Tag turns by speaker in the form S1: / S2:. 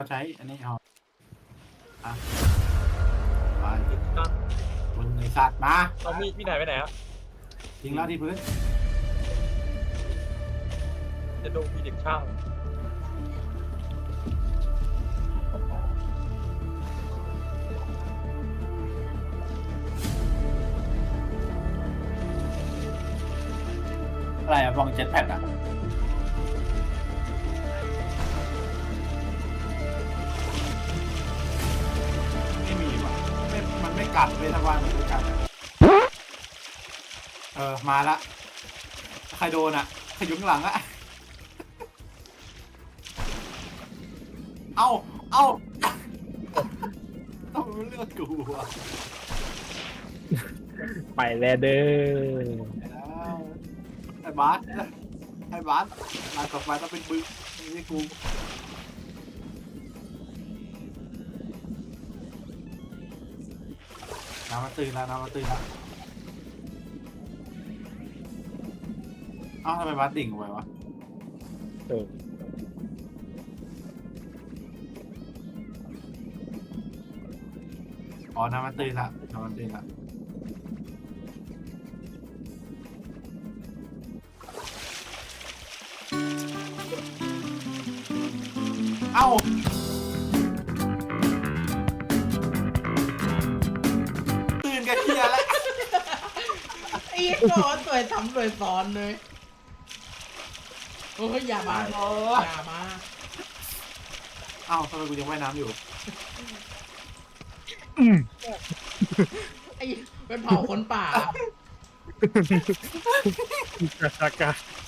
S1: ใช้อันนี้เอาอ่ะไป
S2: ตั้ง
S1: คุณไอสัตว์มา
S2: เอามีดไหนไปไหนครับ
S1: ทิ้งแล้วที่พื้น
S2: จะดูมีเด็กช่าง
S1: อะไรอะบองเจ็ตแพดอะไม่มีว่ะไม่มันไม่กัดเลยถ้าว่ามันไม่กัดอะมาละใครโดนอะใครอยู่ข้างหลังอะเอาต้องเลือกกูอะ
S3: ไปแล้วเด้อ
S1: แล้วไอ้บาสงานต่อไปต้องเป็นมึงไม่ใช่กูน้ำมันตื่นแล้วเอ้าทำไมบาสดิ่งไปวะ
S3: เออ
S1: อ๋อน้ำมันตื่นละเอ้าตื่นกันเฮียแล้ว
S4: ไอ้โง่สวยซ้ำสวยซ้อนเลยโอ้ยอย่ามาอย่ามา
S1: เอ้าทำไมกูยังว่ายน้ำอยู่
S4: ไอ้เป็นเผาคนป่า
S3: กากา